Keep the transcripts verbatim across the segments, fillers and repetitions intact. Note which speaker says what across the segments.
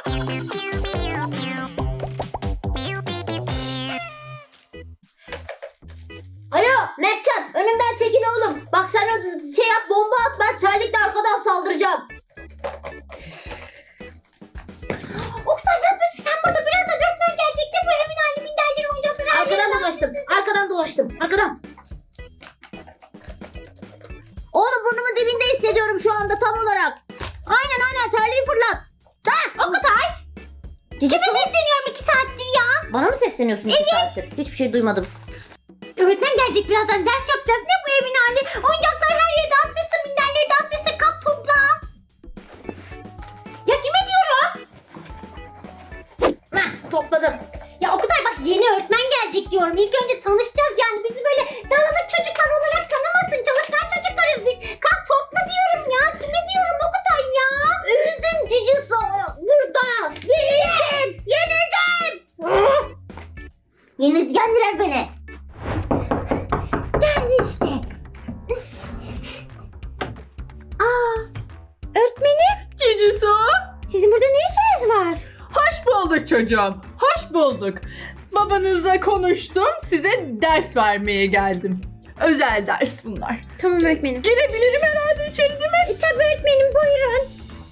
Speaker 1: Alo Mertcan, önümden çekil oğlum. Bak sen o şey yap, bomba at, ben terlikle arkadan saldıracağım.
Speaker 2: Oktay ne yapıyorsun sen burada? Birazdan öğretmen gelecekti. Bu evin hali minderleri oyuncakları. her
Speaker 1: Arkadan
Speaker 2: yeri
Speaker 1: dolaştım, arkadan dolaştım, arkadan. Oğlum burnumun dibinde hissediyorum şu anda tam olarak. Aynen aynen, terliği fırlat. Ha!
Speaker 2: Oktay.
Speaker 1: Cici
Speaker 2: Kime
Speaker 1: su.
Speaker 2: sesleniyorum iki saattir ya?
Speaker 1: Bana mı sesleniyorsun iki saattir? Hiçbir şey duymadım.
Speaker 2: Öğretmen gelecek birazdan, ders yapacağız. Ne bu evin hali? Oyuncaklar her yere dağıtmışsın, minderleri dağıtmışsın. Kalk topla. Ya kime diyorum?
Speaker 1: Heh, topladım.
Speaker 2: Ya Oktay bak, yeni öğretmen gelecek diyorum. İlk önce tanışacağız yani. Bizi böyle dağınık çocuklar olarak tanımasın. Çalışkan çocuklarız biz. Kalk topla diyorum ya. Kime diyorum Oktay ya?
Speaker 1: Üzüldüm cici su. Burada. Yenildim. Yenildim. Yeni yendiler beni.
Speaker 2: Geldi işte. Aa, öğretmenim.
Speaker 3: Cici su.
Speaker 2: Sizin burada ne işiniz var?
Speaker 3: Hoş bulduk çocuğum. Hoş bulduk. Babanızla konuştum. Size ders vermeye geldim. Özel ders bunlar.
Speaker 2: Tamam öğretmenim.
Speaker 3: Girebilirim herhalde içeri değil mi?
Speaker 2: E, tabii öğretmenim, buyurun.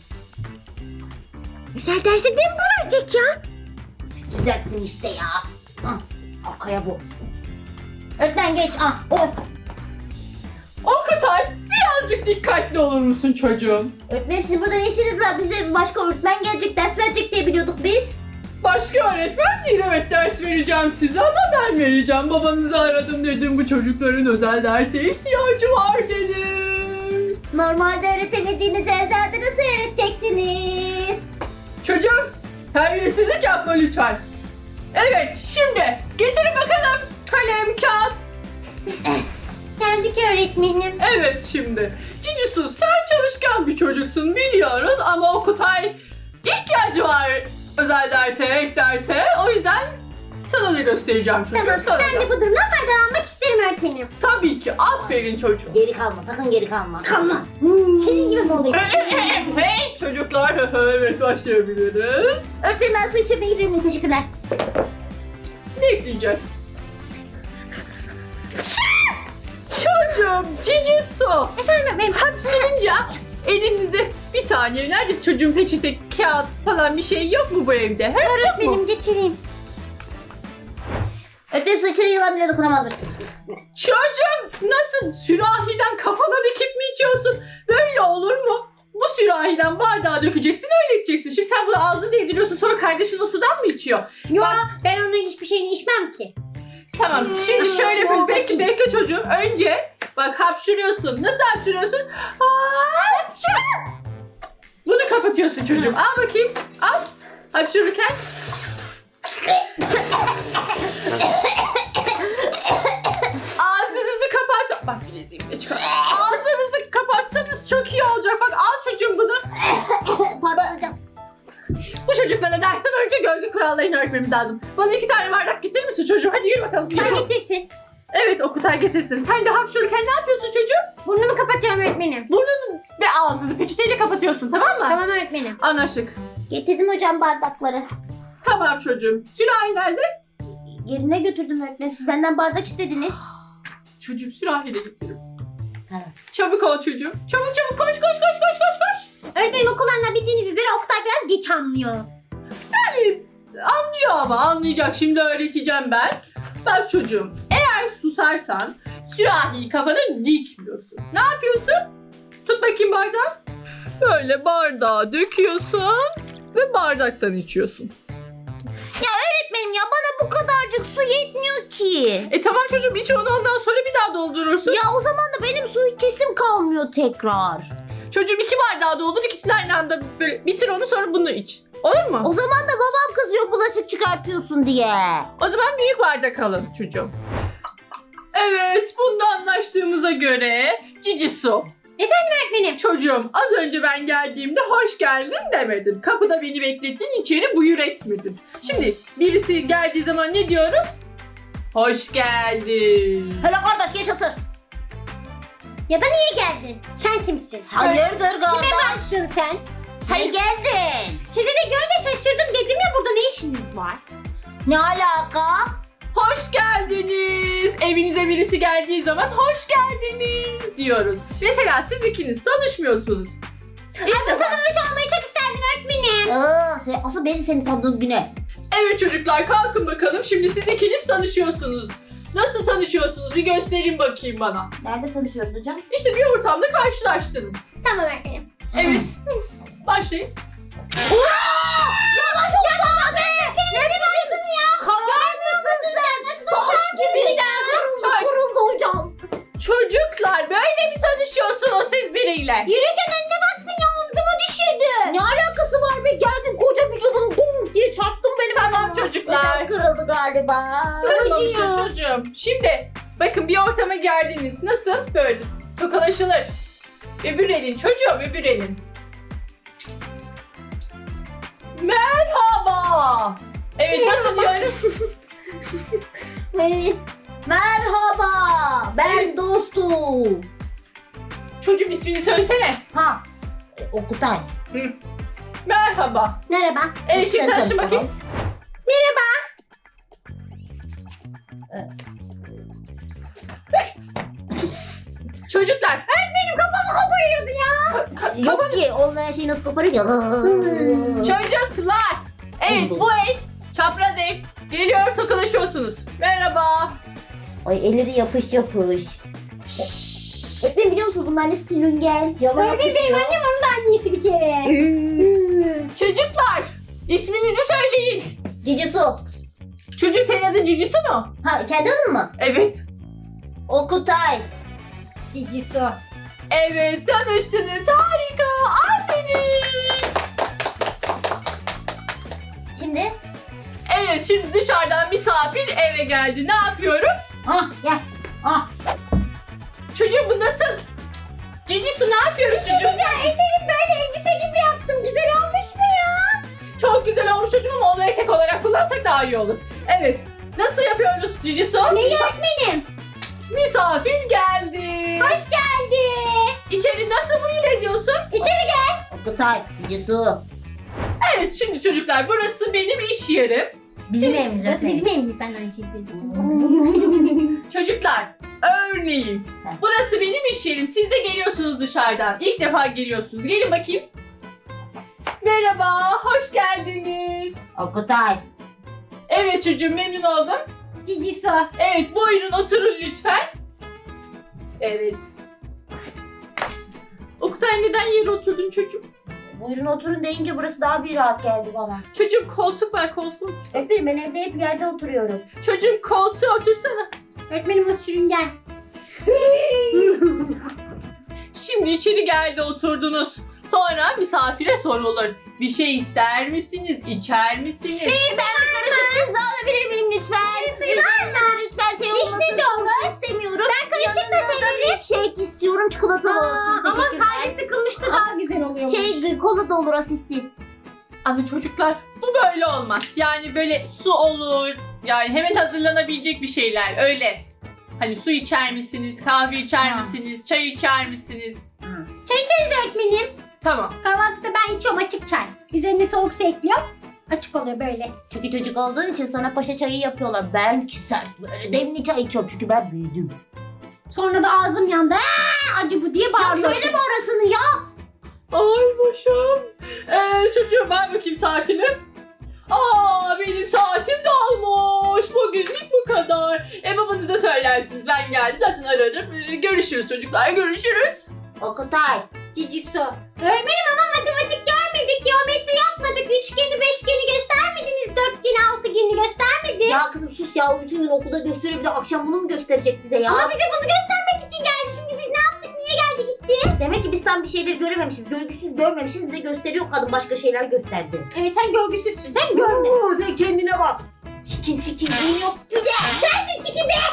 Speaker 2: Güzel dersi de mi bu verecek ya?
Speaker 1: Düzelttin işte ya. Hı, arkaya bu. Öğretmen geç. Ah, oh.
Speaker 3: Okutay, birazcık dikkatli olur musun çocuğum?
Speaker 1: Öğretmenim sizin burada ne işiniz var? Bize başka öğretmen gelecek, ders verecek diye biliyorduk biz.
Speaker 3: Başka öğretmen değil, evet ders vereceğim size ama ben vereceğim. Babanızı aradım dedim, bu çocukların özel derse ihtiyacı var dedim.
Speaker 1: Normalde öğretemediğiniz ezelde nasıl öğreteceksiniz?
Speaker 3: Çocuğum, terbiyesizlik yapma lütfen. Evet, şimdi getirin bakalım kalem, kağıt.
Speaker 2: Geldik öğretmenim.
Speaker 3: Evet şimdi. Cici Su, sen çalışkan bir çocuksun biliyoruz ama Okutay ihtiyacı var özel derse, ek derse. O yüzden sana da göstereceğim çocuğum.
Speaker 2: Tamam,
Speaker 3: sana
Speaker 2: ben
Speaker 3: da.
Speaker 2: de bu durumdan faydalanmak isterim öğretmenim.
Speaker 3: Tabii ki. Aferin çocuğum.
Speaker 1: Geri kalma, sakın geri kalma.
Speaker 2: Kalma.
Speaker 1: Hmm.
Speaker 2: Senin gibi mi oluyor?
Speaker 3: Hey çocuklar, evet başlayabiliriz.
Speaker 1: Öğretmenim ben su içmeye gidiyorum. Teşekkürler.
Speaker 3: Ne ekleyeceğiz? Çocuğum, Cici Su.
Speaker 2: Efendim öğretmenim.
Speaker 3: Hapşırınca elinizi bir saniye. Nerede çocuğun peçete, kağıt falan bir şey yok mu bu evde? He?
Speaker 2: Öğretmenim getireyim.
Speaker 1: Öğretmenim su içeri yılan bile dokunamazdır.
Speaker 3: Çocuğum, nasıl sürahiden kafana dikip mi içiyorsun? Böyle olur mu? Bu sürahiden bardağa dökeceksin, öyle içeceksin. Şimdi sen bunu ağzına değdiriyorsun, sonra kardeşin o sudan mı içiyor?
Speaker 2: Yo, ben onun hiçbir şeyini içmem ki.
Speaker 3: Tamam, şimdi şöyle yapıyoruz. Bekle, bekle çocuğum. Önce bak hapşırıyorsun. Nasıl hapşırıyorsun? Hapşır! Bunu kapatıyorsun çocuğum. Al bakayım. Al. Hapşırırken. Ağzınızı kapat. Bak bileziğimi de çıkar. Ağzınızı kapatsanız çok iyi olacak. Bak al çocuğum bunu.
Speaker 1: Pardon hocam.
Speaker 3: Bu çocuklara dersten önce gölge kurallarını öğretmemiz lazım. Bana iki tane bardak getirir misin çocuğum? Hadi yürü bakalım. Yürü.
Speaker 2: Sen getirsin.
Speaker 3: Evet, Okutay getirsin. Sen de hapşırırken ne yapıyorsun çocuğum?
Speaker 2: Burnumu kapatıyorum öğretmenim.
Speaker 3: Burnunu ve ağzını peçeteyle kapatıyorsun, tamam mı?
Speaker 2: Tamam öğretmenim.
Speaker 3: Anlaştık.
Speaker 1: Getirdim hocam bardakları.
Speaker 3: Tamam çocuğum. Sürahi nerede?
Speaker 1: Yerine götürdüm öğretmenim. Siz benden bardak istediniz.
Speaker 3: Çocuğum sürahiyle getirir misin?
Speaker 1: Tamam.
Speaker 3: Çabuk ol çocuğum. Çabuk çabuk koş koş koş koş koş koş.
Speaker 2: Öğretmenim okullarında bildiğiniz üzere Oktay biraz geç anlıyor.
Speaker 3: Yani anlıyor ama anlayacak. Şimdi öğreteceğim ben. Bak çocuğum, eğer susarsan sürahiyi kafana dikmiyorsun. Ne yapıyorsun? Tut bakayım bardağı. Böyle bardağa döküyorsun ve bardaktan içiyorsun.
Speaker 1: Öğretmenim ya, bana bu kadarcık su yetmiyor ki.
Speaker 3: E tamam çocuğum, iç onu, ondan sonra bir daha doldurursun.
Speaker 1: Ya o zaman da benim su içesim kalmıyor tekrar.
Speaker 3: Çocuğum iki bardağı doldur, ikisini aynı anda böyle bitir onu, sonra bunu iç. Olur mu?
Speaker 1: O zaman da babam kızıyor bulaşık çıkartıyorsun diye.
Speaker 3: O zaman büyük bardak alın çocuğum. Evet, bunda anlaştığımıza göre Cici Su.
Speaker 2: Öğretmenim.
Speaker 3: Çocuğum, az önce ben geldiğimde hoş geldin demedin. Kapıda beni beklettin, içeri buyur etmedin. Şimdi birisi geldiği zaman ne diyoruz? Hoş geldin.
Speaker 1: Hele kardeş geç otur.
Speaker 2: Ya da niye geldin? Sen kimsin?
Speaker 1: Hayırdır
Speaker 2: Kime
Speaker 1: kardeş?
Speaker 2: baktın sen?
Speaker 1: Hayır geldin.
Speaker 2: Sizi de görünce şaşırdım. var.
Speaker 1: Ne alaka?
Speaker 3: Hoş geldiniz. Evinize birisi geldiği zaman hoş geldiniz diyoruz. Mesela siz ikiniz tanışmıyorsunuz.
Speaker 2: Ay ben tanımamış olmayı çok isterdim öğretmenim.
Speaker 1: Aa, sen, asıl beni senin tanıdığın güne.
Speaker 3: Evet çocuklar kalkın bakalım. Şimdi siz ikiniz tanışıyorsunuz. Nasıl tanışıyorsunuz? Bir gösterin bakayım bana.
Speaker 1: Nerede tanışıyoruz hocam?
Speaker 3: İşte bir ortamda karşılaştınız.
Speaker 2: Tamam öğretmenim.
Speaker 3: Evet. Başlayın.
Speaker 1: Yavaş olsana be!
Speaker 2: Ne başladın ya?
Speaker 1: Kayar mısın sen? Taş gibi. Kırıldı, kırıldı hocam.
Speaker 3: Çocuklar böyle mi tanışıyorsunuz siz biriyle?
Speaker 2: Yürürken önüne baksın ya omzuma düşürdü.
Speaker 1: Ne alakası var be? Geldin koca vücudun dum diye çarptın benim.
Speaker 3: Tamam çocuklar.
Speaker 1: Neden kırıldı galiba?
Speaker 3: Kırılmamıştır
Speaker 2: ya.
Speaker 3: çocuğum. Şimdi bakın bir ortama geldiniz. Nasıl? Böyle tokalaşılır. Öbür elin çocuğum öbür elin. Merhaba. Evet nasıl diyoruz?
Speaker 1: Me- Merhaba. Ben dostum.
Speaker 3: Çocuğum ismini söylesene.
Speaker 1: Ha. E, Okutay.
Speaker 3: Hı. Merhaba.
Speaker 2: Merhaba.
Speaker 3: Evet şimdi
Speaker 1: Sen
Speaker 3: tanışın
Speaker 1: tanış
Speaker 3: bakayım.
Speaker 1: bakalım.
Speaker 2: Merhaba.
Speaker 3: Çocuklar.
Speaker 2: Benim kafamı koparıyordu ya.
Speaker 1: Yok ki olmayan şeyi nasıl koparayım ya?
Speaker 3: Çocuklar. Evet bu el çapraz el. Geliyor tokalaşıyorsunuz. Merhaba.
Speaker 1: Ay elleri yapış yapış. Öğretmenim biliyor musunuz bunlar ne sürüngen? Cama
Speaker 2: Öğretmenim benim
Speaker 1: yapışıyor.
Speaker 2: annem onun da annesi bir kere.
Speaker 3: Çocuklar. İsminizi söyleyin.
Speaker 1: Cici su.
Speaker 3: Çocuğum senin adın Cicisu mu?
Speaker 1: Ha kendi adın mı?
Speaker 3: Evet.
Speaker 1: Okutay.
Speaker 2: Cici su.
Speaker 3: Evet tanıştınız. Harika. Aferin.
Speaker 1: Şimdi.
Speaker 3: Evet şimdi dışarıdan misafir eve geldi. Ne yapıyoruz?
Speaker 1: Ha gel. Ha.
Speaker 3: Çocuğum bu nasıl? Cicisu ne yapıyoruz çocuğum?
Speaker 2: Güzel eteğim böyle elbise gibi yaptım. Güzel olmuş mu ya?
Speaker 3: Çok güzel olmuş çocuğum ama onu etek olarak kullansak daha iyi olur. Evet. Nasıl yapıyoruz Cicisu?
Speaker 2: Neyi öğretmenim?
Speaker 3: Misafir geldi.
Speaker 2: Hoş geldi.
Speaker 3: İçeri nasıl buyur ediyorsun?
Speaker 2: İçeri gel.
Speaker 1: Okutay. Cici su.
Speaker 3: Evet şimdi çocuklar burası benim iş yerim.
Speaker 1: Bizim evimiz.
Speaker 2: Burası
Speaker 1: öğretmenim.
Speaker 2: bizim evimiz. Ben aynı şeyi söyledim.
Speaker 3: Çocuklar örneğin
Speaker 1: Heh.
Speaker 3: burası benim iş yerim. Siz de geliyorsunuz dışarıdan. İlk defa geliyorsunuz. Gelin bakayım. Merhaba, hoş geldiniz.
Speaker 1: Okutay.
Speaker 3: Evet çocuğum memnun oldum.
Speaker 2: Cici su.
Speaker 3: Evet buyurun oturun lütfen. Evet. Oktay neden yere oturdun çocuğum?
Speaker 1: Buyurun oturun deyince burası daha bir rahat geldi bana.
Speaker 3: Çocuğum koltuk var koltuğa otur.
Speaker 1: Öpeyim ben evde hep yerde oturuyorum.
Speaker 3: Çocuğum koltuğa otursana.
Speaker 2: Öğretmenim o sürüngen.
Speaker 3: Şimdi içeri geldi oturdunuz. Sonra misafire sorulur. Bir şey ister misiniz? İçer misiniz?
Speaker 1: Ben bir karışık pizza alabilir miyim lütfen? Yanında lütfen şey olmasın.
Speaker 2: Vişne de olur.
Speaker 1: Turşu istemiyorum.
Speaker 2: Ben karışık da severim.
Speaker 1: Shake istiyorum çikolatalı olsun.
Speaker 2: Aa, ama
Speaker 1: Teşekkürler.
Speaker 2: kalbi sıkılmıştı daha güzel oluyormuş.
Speaker 1: Şey kola da olur asistsiz.
Speaker 3: Ama çocuklar bu böyle olmaz. Yani böyle su olur. Yani hemen hazırlanabilecek bir şeyler öyle. Hani su içer misiniz? Kahve içer
Speaker 1: Ha.
Speaker 3: misiniz? Çay içer misiniz?
Speaker 2: Çay içeriz öğretmenim.
Speaker 3: Tamam.
Speaker 2: Kahvaltıda ben içiyorum açık çay. Üzerine soğuk su ekliyorum. Açık oluyor böyle.
Speaker 1: Çünkü çocuk olduğun için sana paşa çayı yapıyorlar. Ben ki sert böyle demli çay içiyorum çünkü ben büyüdüm.
Speaker 2: Sonra da ağzım yandı. Aa, acı bu diye
Speaker 1: Ya
Speaker 2: bağırıyorum.
Speaker 1: söyleme orasını ya.
Speaker 3: Ay başım. Ee, çocuğum ben bakayım saatinim. Aa benim saatim dolmuş. Bugünlük bu kadar. E babanıza söylersiniz ben geldim zaten ararım. Ee, görüşürüz çocuklar görüşürüz.
Speaker 1: Okutay.
Speaker 2: Cici su. Öğretmenim ama matematik görmedik. Geometri yapmadık. Üçgeni, beşgeni göstermediniz. Dörtgeni, altıgeni göstermedi.
Speaker 1: Ya kızım sus ya bütün gün okulda gösteriyor bir de akşam bunu mu gösterecek bize ya?
Speaker 2: Ama bize bunu göstermek için geldi. Şimdi biz ne yaptık? Niye geldi gitti?
Speaker 1: Demek ki biz tam bir şeyleri görememişiz. Görgüsüz görmemişiz. Bize gösteriyor kadın başka şeyler gösterdi.
Speaker 2: Evet sen görgüsüzsün. Sen görme.
Speaker 1: Oo, sen kendine bak. Çikin çikin giyin yok bir de.
Speaker 2: Sensin çiki be.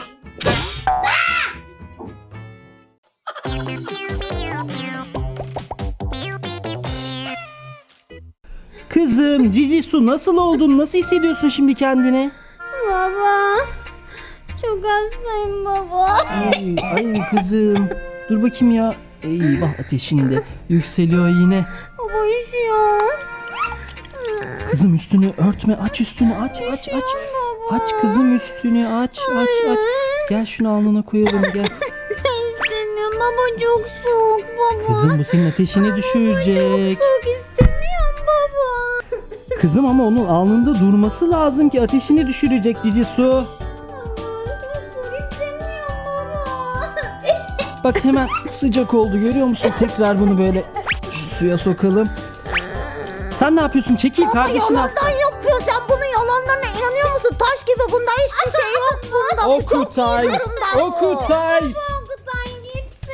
Speaker 4: Kızım Cici Su nasıl oldun? Nasıl hissediyorsun şimdi kendini?
Speaker 2: Baba. Çok hastayım baba.
Speaker 4: Ay, ay kızım. Dur bakayım ya. Eyvah ateşin de yükseliyor yine.
Speaker 2: Baba üşüyor.
Speaker 4: Kızım üstünü örtme. Aç üstünü aç aç aç. Aç kızım üstünü aç aç aç. Gel şunu alnına koyalım gel.
Speaker 2: İstemiyorum baba, çok soğuk baba.
Speaker 4: Kızım bu senin ateşini düşürecek.
Speaker 2: Soğuk istemiyorum baba.
Speaker 4: Kızım ama onun alnında durması lazım ki ateşini düşürecek Cici Su.
Speaker 2: Çok soğuk istemiyorum baba.
Speaker 4: Bak hemen sıcak oldu görüyor musun? Tekrar bunu böyle şu suya sokalım. Sen ne yapıyorsun? Çekil kardeşini al.
Speaker 1: Yalandan yapıyor. Sen bunun yalanlarına inanıyor musun? Taş gibi, bunda hiçbir şey yok. Bunda bu çok iyi
Speaker 4: Okutay.
Speaker 1: durumda.
Speaker 4: Okutay.
Speaker 2: Okutay gitsin.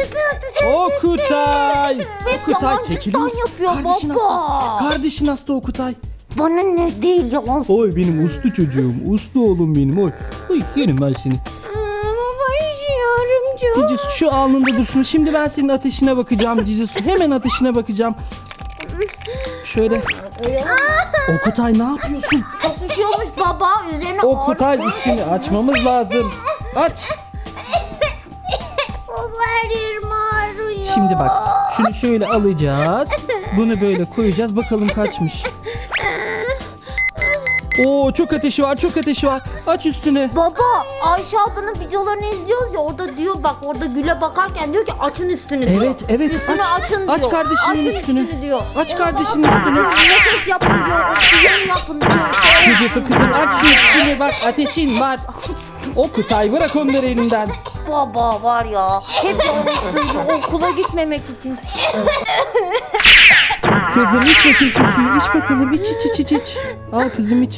Speaker 4: Okutay. Okutay
Speaker 1: yalancıktan
Speaker 4: çekiliyor musun?
Speaker 1: yapıyor
Speaker 4: Kardeşin
Speaker 1: baba.
Speaker 4: hasta. Kardeşin hasta Okutay.
Speaker 1: Bana ne değil yalan.
Speaker 4: Oy benim uslu çocuğum. Uslu oğlum benim. Oy. Oy yerim ben seni.
Speaker 2: Baba üşüyorum çok.
Speaker 4: Cici Su şu alnında dursun. Şimdi ben senin ateşine bakacağım Cici Su. Hemen ateşine bakacağım. Şöyle. Okutay ne yapıyorsun?
Speaker 1: Çok üşüyormuş baba. Üzerine
Speaker 4: Okutay üstünü açmamız lazım. Aç.
Speaker 2: Baba her yerim ağrıyor.
Speaker 4: Şimdi bak. Şunu şöyle alacağız. Bunu böyle koyacağız. Bakalım kaçmış. Oo çok ateşi var. Çok ateşi var. Aç üstünü.
Speaker 1: Baba, Ayşe ablanın videolarını izliyoruz ya, orada diyor, bak orada Gül'e bakarken diyor ki açın üstünü diyor.
Speaker 4: Evet evet.
Speaker 1: Üstünü
Speaker 4: Aç.
Speaker 1: açın diyor.
Speaker 4: Aç kardeşinin
Speaker 1: açın
Speaker 4: üstünü.
Speaker 1: diyor.
Speaker 4: Aç kardeşinin
Speaker 1: Baba,
Speaker 4: üstünü.
Speaker 1: nefes yapın diyor. Oksijen yapın diyor.
Speaker 4: Cici Su kızım aç şu üstünü. Bak ateşin var. Okutay bırak onları elinden.
Speaker 1: Baba var ya, hep yalan söylüyor okula gitmemek için.
Speaker 4: Kızım iç bakayım şu suyu. İç bakalım. İç iç iç iç iç. Al kızım iç.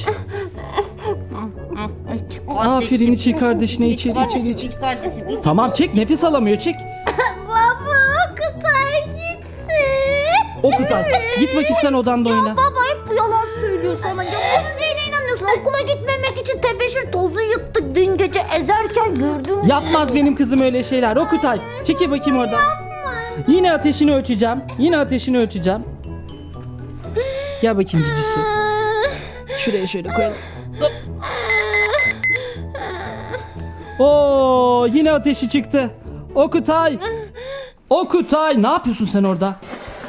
Speaker 4: Aferin, içi kardeşine, içeri, içeri, içeri.
Speaker 1: İç kardeşim, iç.
Speaker 4: Tamam çek. Nefes alamıyor çek.
Speaker 2: Baba Okutay gitsin.
Speaker 4: Okutay git bakayım sen odanda oyna.
Speaker 1: Baba hep bu yalan söylüyor sana. Ya bunun neyine inanıyorsun? Okula gitmemek için tebeşir tozu yıktık dün gece ezerken gördüm.
Speaker 4: Yapmaz benim kızım öyle şeyler. Okutay çekil bakayım oradan. Yine ateşini ölçeceğim. Yine ateşini ölçeceğim. Gel bakayım Cici Su. Şuraya şöyle koyalım. Hop. Oo yine ateşi çıktı. Okutay. Okutay ne yapıyorsun sen orada?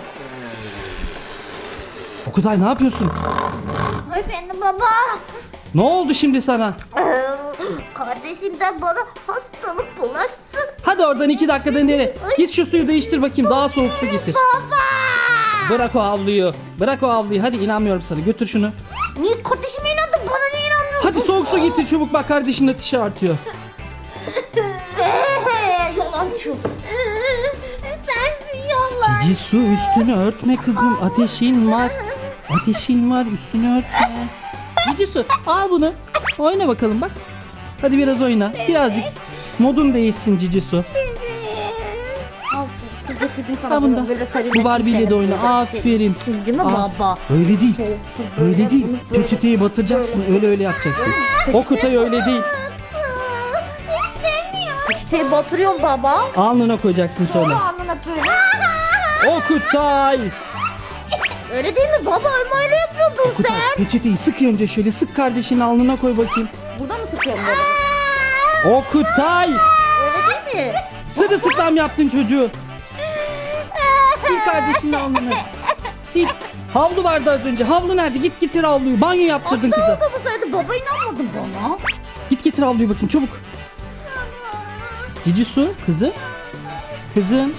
Speaker 4: Okutay ne yapıyorsun?
Speaker 1: Efendim baba.
Speaker 4: Ne oldu şimdi sana?
Speaker 1: Ee, Kardeşimden bana hastalık bulaştı.
Speaker 4: Hadi oradan iki dakikada nereye? Git şu suyu değiştir bakayım. Daha soğuk su getir.
Speaker 1: Baba.
Speaker 4: Bırak o havluyu. Bırak o havluyu. Hadi inanmıyorum sana. Götür şunu.
Speaker 1: Niye kardeşime inandın, bana niye inanmıyorsun?
Speaker 4: Hadi soğuk su getir çabuk. Bak kardeşinin ateşi artıyor.
Speaker 1: Eee yalancı.
Speaker 2: Sensin yalan.
Speaker 4: Cici Su üstünü örtme kızım. Ateşin var. Ateşin var. Üstünü örtme. Cici Su al bunu. Oyna bakalım bak. Hadi biraz oyna. Birazcık modun değişsin Cici Su.
Speaker 1: Al su getirdim sana.
Speaker 4: Al bunu da.
Speaker 1: Böyle sarayım.
Speaker 4: Bu Barbie ile de oyna. Aferin.
Speaker 1: Değil mi
Speaker 4: Al.
Speaker 1: baba?
Speaker 4: Öyle değil.
Speaker 1: Soğuk su böyle
Speaker 4: Öyle değil.
Speaker 1: bunu böyle-
Speaker 4: Peçeteyi batıracaksın. Öyle öyle yapacaksın. Okutay öyle değil.
Speaker 1: Peçeteyi batırıyorum baba.
Speaker 4: Alnına koyacaksın sonra.
Speaker 1: Sonra alnına böyle.
Speaker 4: Okutay.
Speaker 1: Öyle değil mi baba? Öyle öyle yapıyordun
Speaker 4: Okutay
Speaker 1: sen.
Speaker 4: peçeteyi sık önce şöyle sık kardeşinin alnına koy bakayım.
Speaker 1: Burada mı sıkıyorum böyle?
Speaker 4: Okutay.
Speaker 1: Öyle değil mi?
Speaker 4: Sırılsıklam yaptın çocuğu. Sil kardeşinin alnını. Sil. Havlu vardı az önce. Havlu nerede? Git getir havluyu. Banyo yaptırdın
Speaker 1: Hasta
Speaker 4: kızı.
Speaker 1: olduğumu söyledi. Baba inanmadı bana.
Speaker 4: Git getir havluyu bakayım çabuk. Cici Su kızım. Kızım.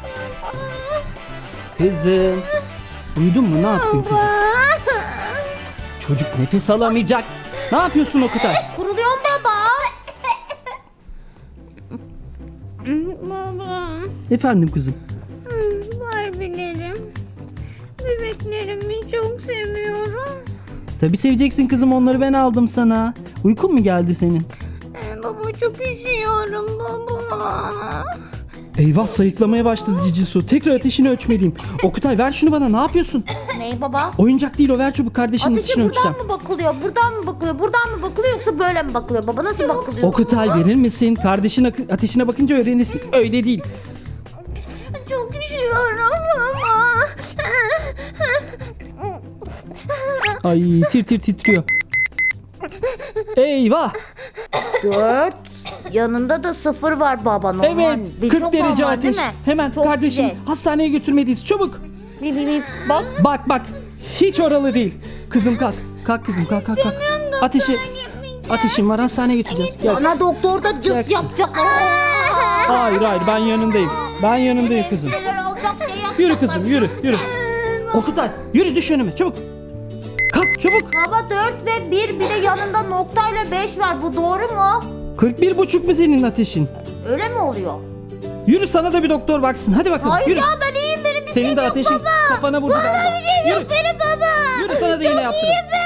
Speaker 4: Kızım. Uyudun mu? Ne yaptın kızım? Çocuk nefes alamayacak. Ne yapıyorsun Okutay?
Speaker 1: Kuruluyorum baba.
Speaker 2: Baba.
Speaker 4: Efendim kızım.
Speaker 2: Barbilerim. Bebeklerimi çok seviyorum.
Speaker 4: Tabii seveceksin kızım, onları ben aldım sana. Uykun mu geldi senin?
Speaker 2: Ee, baba çok üşüyorum baba.
Speaker 4: Eyvah, sayıklamaya başladı Cici Su. Tekrar ateşini ölçmeliyim. Okutay ver şunu bana, ne yapıyorsun?
Speaker 1: Ney baba?
Speaker 4: Oyuncak değil o, ver çabuk, kardeşinin
Speaker 1: Ateşe
Speaker 4: ateşini
Speaker 1: buradan
Speaker 4: ölçeceğim.
Speaker 1: mı bakılıyor? Buradan mı bakılıyor? Buradan mı bakılıyor yoksa böyle mi bakılıyor baba? Nasıl bakılıyor?
Speaker 4: Okutay verir misin? Kardeşin akı- ateşine bakınca öğrenirsin. Öyle değil.
Speaker 2: Çok üşüyorum baba.
Speaker 4: Ay tir tir titriyor. Eyvah.
Speaker 1: Dört. Yanında da sıfır var baba. Normal.
Speaker 4: Evet,
Speaker 1: Bir
Speaker 4: kırk
Speaker 1: çok
Speaker 4: derece
Speaker 1: normal, değil
Speaker 4: ateş.
Speaker 1: mi?
Speaker 4: Hemen
Speaker 1: Çok
Speaker 4: kardeşim
Speaker 1: güzel.
Speaker 4: hastaneye götürmeliyiz. Çabuk.
Speaker 1: Bir bir bir. Bak.
Speaker 4: Bak bak. Hiç oralı değil. Kızım kalk. Kalk kızım kalk kalk kalk. Ateşi ateşim var, hastaneye götüreceğiz. Gel.
Speaker 1: Sana doktor da cız
Speaker 4: Gel.
Speaker 1: yapacak.
Speaker 4: Hayır hayır, ben yanındayım. Ben yanındayım kızım.
Speaker 1: Şeyler alacak şey yapacak.
Speaker 4: Yürü kızım yürü yürü. Okutay yürü, düş önüme çabuk. Kalk çabuk.
Speaker 1: Baba dört ve bir, bir de yanında noktayla beş var. Bu doğru mu?
Speaker 4: kırk bir buçuk mu senin ateşin?
Speaker 1: Öyle mi oluyor?
Speaker 4: Yürü, sana da bir doktor baksın. Hadi bakalım
Speaker 1: Hayır
Speaker 4: yürü.
Speaker 1: ya, ben iyiyim, benim bir
Speaker 4: Senin
Speaker 1: şeyim
Speaker 4: de
Speaker 1: yok
Speaker 4: ateşin
Speaker 1: baba.
Speaker 4: kafana vurdu
Speaker 1: Bana
Speaker 4: galiba.
Speaker 1: bir şeyim
Speaker 4: Yürü.
Speaker 1: yok benim baba.
Speaker 4: Yürü, sana da iğne yaptırın.